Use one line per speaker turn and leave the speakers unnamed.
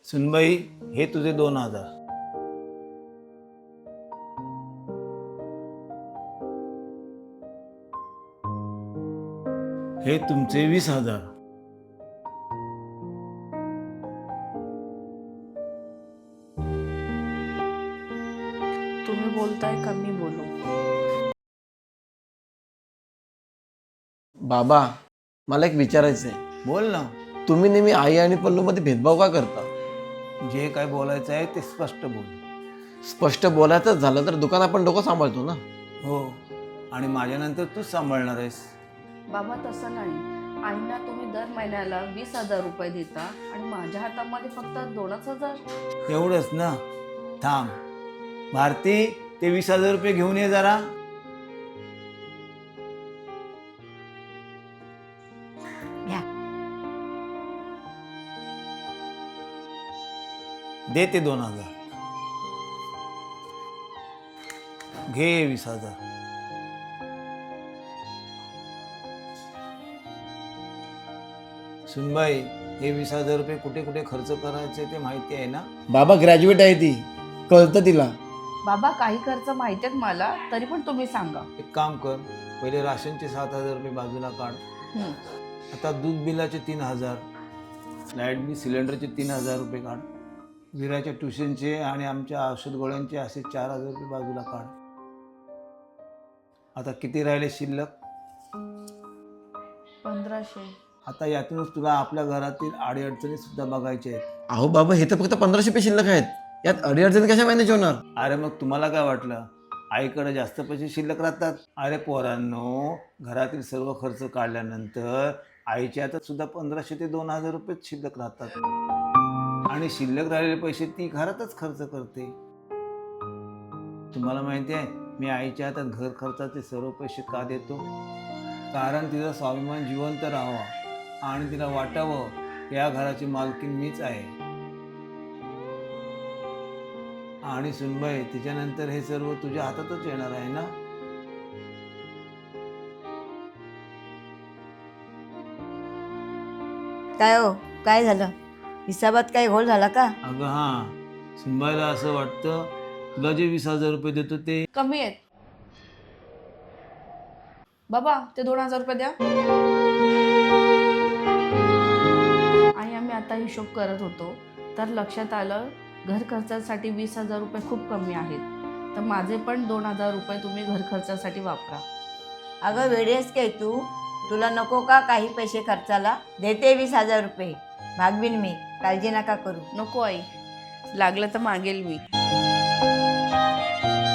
सुनबाई, हे तुझे 2,000. हे तुमचे 20,000.
तुम्ही बोलताय का मी बोलू?
बाबा, मला एक विचारायचं आहे.
बोल ना.
तुम्ही नेहमी आई आणि पल्लूमध्ये भेदभाव का करता?
जे काय बोलायचं आहे ते स्पष्ट बोल.
स्पष्ट बोलायचंच झालं तर दुकान आपण डोकं सांभाळतो ना.
हो, आणि माझ्यानंतर तूच सांभाळणार आहेस.
बाबा तसं नाही. आईना तुम्ही दर महिन्याला 20,000 रुपये देता आणि माझ्या हातामध्ये फक्त 2,000.
एवढंच ना. थांब भारती, ते 20,000 रुपये घेऊन ये जरा.
घ्या.
दे ते 2,000. घे 20,000. सुनबाई, हे 20,000 रुपये कुठे कुठे खर्च करायचे ते माहिती आहे ना?
बाबा ग्रॅज्युएट आहे ती, कळतं तिला.
बाबा काही खर्च माहिती आहेत मला, तरी पण तुम्ही सांगा.
एक काम कर, पहिले राशनचे 7,000 रुपये बाजूला काढ.
हं.
आता दूध बिलाचे 3,000, लाईट बिल सिलेंडरचे 3,000 रुपये काढ. विराच्या ट्युशनचे आणि आमच्या औषध गोळ्यांचे असे 4,000 रुपये बाजूला काढ. आता किती राहिले शिल्लक?
1,500.
आता यातूनच तुला आपल्या घरातील अडीअडचणी सुद्धा बघायच्या आहेत.
अहो बाबा, हे तर फक्त 1,500 रुपये शिल्लक आहेत. यात अडीअडचणी कशा मॅनेज होणार?
अरे मग तुम्हाला काय वाटलं आईकडे जास्त पैसे शिल्लक राहतात? अरे पोरांनो, घरातील सर्व खर्च काढल्यानंतर आईच्या हातात सुद्धा 1,500 ते 2,000 रुपये शिल्लक राहतात. आणि शिल्लक राहिलेले पैसे ती घरातच खर्च करते. तुम्हाला माहिती आहे मी आईच्या हातात घर खर्चाचे सर्व पैसे का देतो? कारण तिचा स्वाभिमान जिवंत राहावा आणि तिला वाटावं या घराची मालकीण मीच आहे. आणि सुनबाई, तिच्यानंतर हे सर्व तुझ्या हातातच येणार आहे ना?
काय हो, काय झालं? हिसाबात काही घोळ झाला का?
अगं हां, सुनबाईला असं वाटतं तुला जे 20,000 रुपये देतो ते
कमी आहेत. बाबा ते 2,000 रुपये द्या. आणि आम्ही आता हिशोब करत होतो तर लक्षात आलं घर खर्चासाठी 20,000 रुपये खूप कमी आहेत. तर माझे पण 2,000 रुपये तुम्ही घर खर्चासाठी वापरा.
अगं वेळेस काय तू? तुला नको का काही पैसे खर्चाला? देते 20,000 रुपये. भागवीन मी, काळजी नका करू.
नको आई, लागलं तर मागेल मी.